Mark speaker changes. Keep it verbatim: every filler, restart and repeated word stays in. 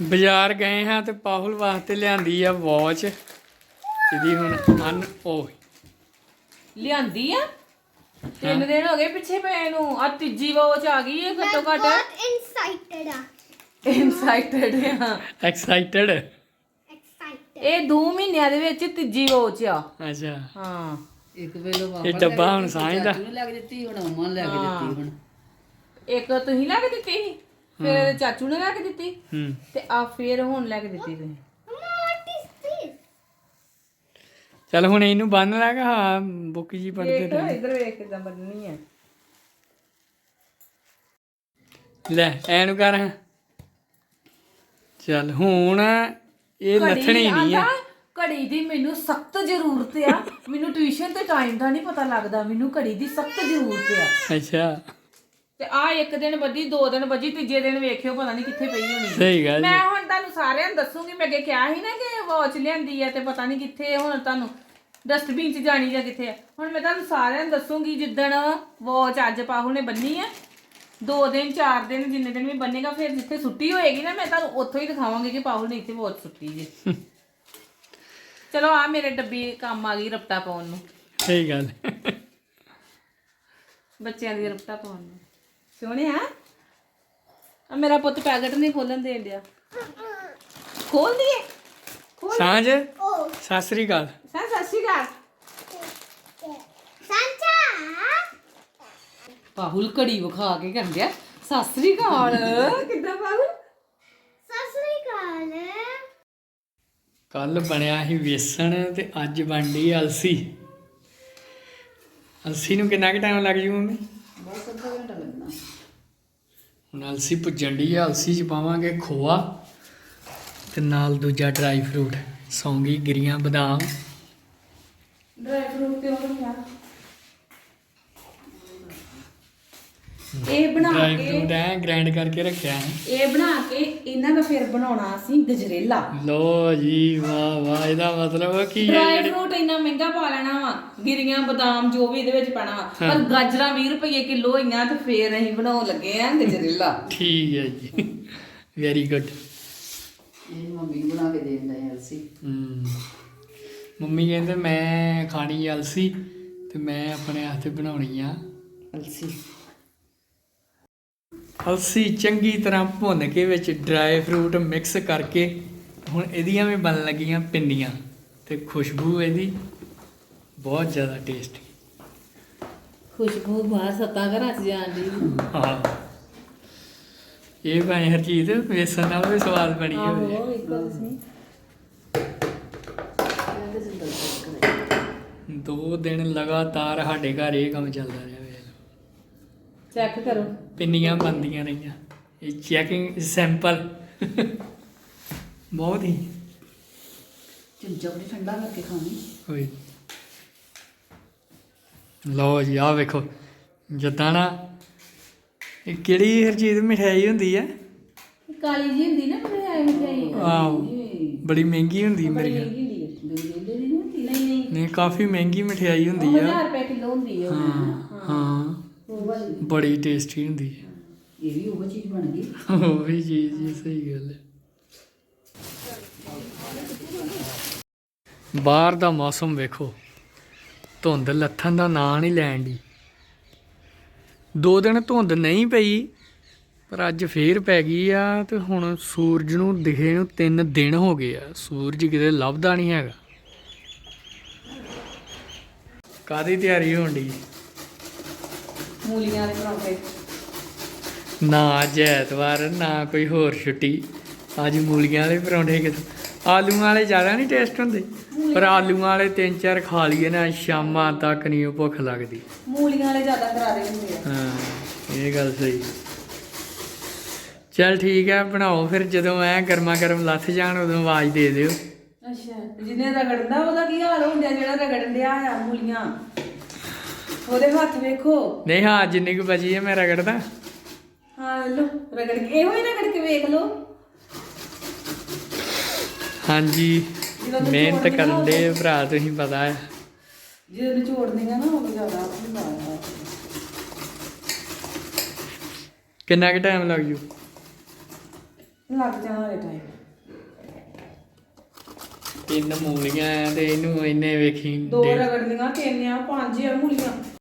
Speaker 1: ਬਾਜ਼ਾਰ ਗਏ ਹਾਂ ਤੇ ਪਾਹੁਲ ਵਾਸਤੇ ਲਿਆਂਦੀ ਆ ਵਾਚ। ਇਹਦੀ ਹੁਣ ਅਨ ਉਹ
Speaker 2: ਲਿਆਂਦੀ ਆ ਤਿੰਨ ਦਿਨ ਹੋ ਗਏ ਪਿੱਛੇ ਪਏ ਨੂੰ। ਆ ਤੀਜੀ ਵਾਚ ਆ ਗਈ ਹੈ ਘੱਟੋ ਘੱਟ।
Speaker 3: ਬਹੁਤ ਇਨਸਾਈਟਡ ਆ
Speaker 2: ਇਨਸਾਈਟਡ ਆ
Speaker 1: ਐਕਸਾਈਟਡ।
Speaker 3: ਐਕਸਾਈਟਡ
Speaker 2: ਇਹ ਦੋ ਮਹੀਨਿਆਂ ਦੇ ਵਿੱਚ ਤੀਜੀ ਵਾਚ ਆ।
Speaker 1: ਅੱਛਾ
Speaker 2: ਹਾਂ
Speaker 4: ਇੱਕ ਵੇਲੇ ਪਾਪਾ
Speaker 1: ਇਹ ਡੱਬਾ ਹੁਣ ਸਾਂਝਦਾ।
Speaker 4: ਨੂੰ ਲੱਗ ਦਿੱਤੀ ਹੁਣ ਅਮਨ ਨੂੰ ਲੱਗ ਦਿੱਤੀ ਹੁਣ।
Speaker 2: ਇੱਕ ਤੁਸੀਂ ਲੈ ਕੇ ਦਿੱਤੀ ਸੀ, ਫਿਰ ਇਹਦੇ ਚਾਚੂ ਨੇ ਲੈ ਕੇ ਦਿੱਤੀ
Speaker 1: ਹੂੰ
Speaker 2: ਤੇ ਆ ਫਿਰ ਹੁਣ ਲੈ ਕੇ ਦਿੱਤੀ ਤੁਸੀਂ।
Speaker 3: ਵਾਟ ਇਜ਼ ਦਿਸ
Speaker 1: ਚੱਲ ਹੁਣ ਇਹਨੂੰ ਬੰਨ ਲਾਗਾ। ਹਾਂ ਬੁੱਕ ਜੀ ਪੜਦੇ
Speaker 2: ਦੇਖ
Speaker 1: ਰਹੇ।
Speaker 2: ਇਧਰ ਵੇਖ ਕਿਦਾਂ ਬੰਨਣੀ ਆ।
Speaker 1: ਲੈ ਐਨੂੰ ਕਰ। ਚੱਲ ਹੁਣ ਇਹ ਲੱਥਣੀ ਨਹੀਂ ਆ।
Speaker 2: ਘੜੀ ਦੀ ਮੈਨੂੰ ਸਖਤ ਜ਼ਰੂਰਤ ਆ। ਮੈਨੂੰ ਟਿਊਸ਼ਨ ਤੇ ਟਾਈਮ ਦਾ ਨਹੀਂ ਪਤਾ ਲੱਗਦਾ, ਮੈਨੂੰ ਘੜੀ ਦੀ ਸਖਤ ਜ਼ਰੂਰਤ ਆ।
Speaker 1: ਅੱਛਾ
Speaker 2: ਤੇ ਆ ਇੱਕ ਦਿਨ ਵੱਜੀ, ਦੋ ਦਿਨ ਵੱਜੀ, ਤੀਜੇ ਦਿਨ ਵੇਖਿਓ ਪਤਾ ਨਹੀਂ ਕਿੱਥੇ ਪਈ ਹੋਣੀ।
Speaker 1: ਸਹੀ ਗੱਲ
Speaker 2: ਮੈਂ ਹੁਣ ਤੁਹਾਨੂੰ ਸਾਰਿਆਂ ਨੂੰ ਦੱਸੂਗੀ। ਮੈਂ ਅੱਗੇ ਕਿਹਾ ਸੀ ਨਾ ਕਿ ਵਾਚ ਲਿਆਂਦੀ ਆ ਤੇ ਪਤਾ ਨਹੀਂ ਕਿੱਥੇ, ਹੁਣ ਤੁਹਾਨੂੰ ਡਸਟਬਿਨ 'ਚ ਜਾਣੀ ਜਾਂ ਕਿੱਥੇ ਆ। ਹੁਣ ਮੈਂ ਤੁਹਾਨੂੰ ਸਾਰਿਆਂ ਨੂੰ ਦੱਸੂਗੀ ਜਿੱਦਣ ਵਾਚ ਅੱਜ ਪਾਹੁਲ ਨੇ ਬੰਨੀ ਆ, ਦੋ ਦਿਨ ਚਾਰ ਦਿਨ ਜਿੰਨੇ ਦਿਨ ਵੀ ਬੰਨੇਗਾ, ਫਿਰ ਜਿੱਥੇ ਸੁੱਟੀ ਹੋਏਗੀ ਨਾ ਮੈਂ ਤੁਹਾਨੂੰ ਉੱਥੋਂ ਹੀ ਦਿਖਾਵਾਂਗੀ ਕਿ ਪਾਹੁਲ ਨੇ ਇੱਥੇ ਵਾਚ ਸੁੱਟੀ ਜੀ। ਚਲੋ ਆ ਮੇਰੇ ਡੱਬੀ ਕੰਮ ਆ ਗਈ ਰਪਟਾ ਪਾਉਣ ਨੂੰ।
Speaker 1: ਸਹੀ ਗੱਲ।
Speaker 2: ਬੱਚਿਆਂ ਦੀ ਰਪਟਾ ਪਾਉਣ ਨੂੰ ਸੋਹਣਿਆ। ਆ ਮੇਰਾ ਪੁੱਤ ਪੈਕਟ ਨਹੀਂ ਖੋਲਣ ਦੇਣ ਡਿਆ। ਖੋਲ ਦੀਏ
Speaker 1: ਸਾਂਝ
Speaker 3: ਓ
Speaker 1: ਸਤਿ ਸ੍ਰੀ ਅਕਾਲ।
Speaker 2: ਸਾ ਸਤਿ ਸ਼੍ਰੀ ਅਕਾਲ।
Speaker 3: ਸੰਚਾ
Speaker 2: ਪਾਹੁਲ ਘੜੀ ਵਿਖਾ ਕੇ ਕਹਿੰਦੇ ਆ ਸਤਿ ਸ੍ਰੀ ਅਕਾਲ। ਕਿੱਦਾਂ ਪਾਹੁਲ?
Speaker 3: ਸਤਿ ਸ੍ਰੀ ਅਕਾਲ।
Speaker 1: ਕੱਲ ਬਣਿਆ ਸੀ ਵੇਸਣ ਤੇ ਅੱਜ ਬਣਦੀ ਅਲਸੀ। ਅਲਸੀ ਨੂੰ ਕਿੰਨਾ ਕੁ ਟਾਈਮ ਲੱਗ ਜੂ ਮੰਮੀ?
Speaker 4: ਬਸ ਅੱਧਾ ਘੰਟਾ ਲੱਗਣਾ।
Speaker 1: ਹੁਣ ਅਲਸੀ ਭੁੱਜਣ ਦੀ ਆ। ਅਲਸੀ 'ਚ ਪਾਵਾਂਗੇ ਖੋਆ ਤੇ ਨਾਲ ਦੂਜਾ ਡਰਾਈ ਫਰੂਟ, ਸੌਂਗੀ, ਗਿਰੀਆਂ, ਬਦਾਮ।
Speaker 2: ਡਰਾਈ ਫਰੂਟ ਤੇ ਉਹ ਰੱਖਿਆ। ਇਹ ਬਣਾ
Speaker 1: ਡਰਾਈ
Speaker 2: ਕੇ
Speaker 1: ਫਰੂਟ ਐ ਗ੍ਰਾਈਂਡ ਕਰਕੇ ਰੱਖਿਆ ਹੈ।
Speaker 2: ਇਹ ਬਣਾ ਕੇ ਇਹਨਾਂ ਦਾ ਫਿਰ ਬਣਾਉਣਾ ਅਸੀਂ ਗਜਰੇਲਾ।
Speaker 1: ਲੋ ਜੀ ਵਾਹ ਵਾਹ। ਇਹਦਾ ਮਤਲਬ ਕੀ ਹੈ?
Speaker 2: ਡਰਾਈ ਫਰੂਟ ਇੰਨਾ ਮਹਿੰਗਾ ਪਾ ਲੈਣਾ ਵਾ, ਗਿਰੀਆਂ ਬਦਾਮ ਜੋ ਵੀ ਇਹਦੇ ਵਿੱਚ ਪਾਣਾ ਵਾ, ਪਰ ਗਾਜਰਾਂ ਵੀਹ ਰੁਪਏ ਕਿਲੋ ਹੋਈਆਂ ਤੇ ਫੇਰ ਅਸੀਂ ਬਣਾਉਣ ਲੱਗੇ ਆ ਗਜਰੇਲਾ।
Speaker 1: ਠੀਕ ਹੈ ਜੀ, ਵੈਰੀ ਗੁੱਡ।
Speaker 4: ਇਹ ਮੰਮੀ ਨੂੰ ਬਣਾ ਕੇ ਦੇ ਦਿੰਦਾ ਹੈ ਅਲਸੀ।
Speaker 1: ਹਮ ਮੰਮੀ ਕਹਿੰਦੇ ਮੈਂ ਖਾਣੀ ਅਲਸੀ ਤੇ ਮੈਂ ਆਪਣੇ ਹੱਥ ਬਣਾਉਣੀ ਆ
Speaker 4: ਅਲਸੀ।
Speaker 1: ਅਲਸੀ ਚੰਗੀ ਤਰ੍ਹਾਂ ਭੁੰਨ ਕੇ ਵਿੱਚ ਡਰਾਈ ਫਰੂਟ ਮਿਕਸ ਕਰਕੇ ਹੁਣ ਇਹਦੀਆਂ ਵੀ ਬਣਨ ਲੱਗੀਆਂ ਪਿੰਨੀਆਂ ਤੇ ਖੁਸ਼ਬੂ ਇਹਦੀ ਬਹੁਤ ਜ਼ਿਆਦਾ ਟੇਸਟੀ।
Speaker 2: ਖੁਸ਼ਬੂ ਬਾਹਰ ਸੱਤਾਂ ਘਰਾਂ 'ਚ ਜਾਣ ਦੀ।
Speaker 1: ਹਾਂ ਇਹ ਭਾਵੇਂ ਹਰ ਚੀਜ਼ ਵੇਸਣ ਨਾਲ ਵੀ ਸਵਾਦ ਬਣੀ ਹੋਵੇ।
Speaker 2: ਆਹੋ ਇੱਕੋ ਤੁਸੀਂ
Speaker 1: ਦੋ ਦਿਨ ਲਗਾਤਾਰ ਸਾਡੇ ਘਰ ਇਹ ਕੰਮ ਚੱਲਦਾ ਰਿਹਾ।
Speaker 2: ਚੈੱਕ ਕਰੋ।
Speaker 1: ਪਿੰਨੀਆਂ ਬਣਦੀਆਂ ਰਹੀਆਂ। ਇਹ ਚੈਕਿੰਗ ਸੈਂਪਲ ਬਹੁਤ ਹੀ
Speaker 4: ਚਮਚਾ ਬੜੀ ਠੰਡਾ ਕਰਕੇ ਖਾਣੀ।
Speaker 1: ਹੋਈ। ਲਓ ਜੀ ਆਹ ਵੇਖੋ ਜਿੱਦਾਂ ਨਾ ਇਹ ਕਿਹੜੀ ਹਰ ਚੀਜ਼ ਮਠਿਆਈ ਹੁੰਦੀ ਹੈ?
Speaker 2: ਕਾਲੀ ਜੀ ਹੁੰਦੀ ਨਾ ਮਠਿਆਈ। ਮਠਿਆਈ
Speaker 1: ਆਹੋ ਬੜੀ ਮਹਿੰਗੀ ਹੁੰਦੀ ਮੇਰੇ ਖਿਆਲ।
Speaker 4: ਗਜਰੇਲੇ ਦੀ ਨਹੀਂ ਹੁੰਦੀ।
Speaker 2: ਨਹੀਂ ਨਹੀਂ
Speaker 1: ਨਹੀਂ ਕਾਫੀ ਮਹਿੰਗੀ ਮਠਿਆਈ ਹੁੰਦੀ ਆ।
Speaker 2: ਹਜ਼ਾਰ ਰੁਪਏ ਕਿਲੋ ਹੁੰਦੀ ਹੈ।
Speaker 1: ਹਾਂ ਹਾਂ
Speaker 2: ਉਹ ਵਾਲੀ
Speaker 1: ਬੜੀ ਟੇਸਟੀ ਹੁੰਦੀ ਹੈ।
Speaker 4: ਇਹ ਵੀ ਉਹ ਚੀਜ਼ ਬਣ ਗਈ।
Speaker 1: ਉਹ ਵੀ ਚੀਜ਼ ਜੀ ਸਹੀ ਗੱਲ ਹੈ। ਬਾਹਰ ਦਾ ਮੌਸਮ ਵੇਖੋ, ਧੁੰਦ ਲੱਥਣ ਦਾ ਨਾਂ ਨਹੀਂ ਲੈਣ ਦੀ। ਦੋ ਦਿਨ ਧੁੰਦ ਨਹੀਂ ਪਈ ਪਰ ਅੱਜ ਫੇਰ ਪੈ ਗਈ ਆ ਤੇ ਹੁਣ ਸੂਰਜ ਨੂੰ ਦਿਖੇ ਨੂੰ ਤਿੰਨ ਦਿਨ ਹੋ ਗਏ ਆ। ਸੂਰਜ ਕਿਤੇ ਲੱਭਦਾ ਨਹੀਂ ਹੈਗਾ। ਕਾਹਦੀ ਤਿਆਰੀ ਹੋਣ ਦੀ?
Speaker 2: ਮੂਲੀਆਂ ਦੇ ਪਰੌਂਠੇ।
Speaker 1: ਨਾ ਅੱਜ ਐਤਵਾਰ ਨਾ ਕੋਈ ਹੋਰ ਛੁੱਟੀ, ਅੱਜ ਮੂਲੀਆਂ ਵਾਲੇ ਪਰੌਂਠੇ ਕਿਤੇ। ਆਲੂਆਂ ਵਾਲੇ ਜ਼ਿਆਦਾ ਨਹੀਂ ਟੇਸਟ ਹੁੰਦੇ ਪਰ ਆਲੂਆਂ ਵਾਲੇ ਤਿੰਨ ਚਾਰ ਖਾ ਲਈਏ ਨਾ ਸ਼ਾਮਾਂ ਤੱਕ ਨਹੀਂ ਉਹ ਭੁੱਖ ਲੱਗਦੀ।
Speaker 2: ਮੂਲੀਆਂ ਵਾਲੇ ਜ਼ਿਆਦਾ ਕਰਾਰੇ ਹੁੰਦੇ ਆ।
Speaker 1: ਹਾਂ ਇਹ ਗੱਲ ਸਹੀ। ਚੱਲ ਠੀਕ ਹੈ ਬਣਾਓ ਫਿਰ। ਜਦੋਂ ਐ ਗਰਮਾ ਗਰਮ ਲੱਥ ਜਾਣ ਉਦੋਂ ਆਵਾਜ਼ ਦੇ ਦਿਓ।
Speaker 2: ਅੱਛਾ ਜਿਹਨੇ ਰਗੜਦਾ ਉਹਦਾ ਕੀ ਹਾਲ ਹੁੰਦਾ? ਜਿਹੜਾ ਰਗੜਨ ਡਿਆ ਆ ਮੂਲੀਆਂ, ਉਹਦੇ ਹੱਥ ਵੇਖੋ।
Speaker 1: ਨਹੀਂ ਹਾਂ ਜਿੰਨੀ ਕੁ ਬਚੀ ਹੈ ਮੈਂ ਰਗੜਦਾ।
Speaker 2: ਹਾਂ ਲੋ ਰਗੜ ਕੇ ਇਹੋ ਹੀ ਰਗੜ ਕੇ ਵੇਖ ਲੋ।
Speaker 1: ਹਾਂਜੀ ਮਿਹਨਤ ਕਰਨ ਦੇ ਭਰਾ, ਤੁਸੀਂ ਪਤਾ ਹੈ।
Speaker 2: ਜਦੋਂ ਨਿਚੋੜਦੀਆਂ ਨਾ ਉਹ ਜ਼ਿਆਦਾ ਆਪਣੀ ਮਾਰਦਾ।
Speaker 1: ਕਿੰਨਾ ਕੁ ਟਾਈਮ ਲੱਗ ਜੂ?
Speaker 2: ਲੱਗ ਜਾਣਾ ਹਲੇ ਟਾਈਮ।
Speaker 1: ਤਿੰਨ ਮੂਲੀਆਂ ਆ ਤੇ ਇਹਨੂੰ ਇਹਨੇ ਵੇਖੀ
Speaker 2: ਦੋ
Speaker 1: ਡੇਢ-
Speaker 2: ਰਗੜਨੀਆਂ, ਤਿੰਨ ਆ, ਪੰਜ ਆ ਮੂਲੀਆਂ।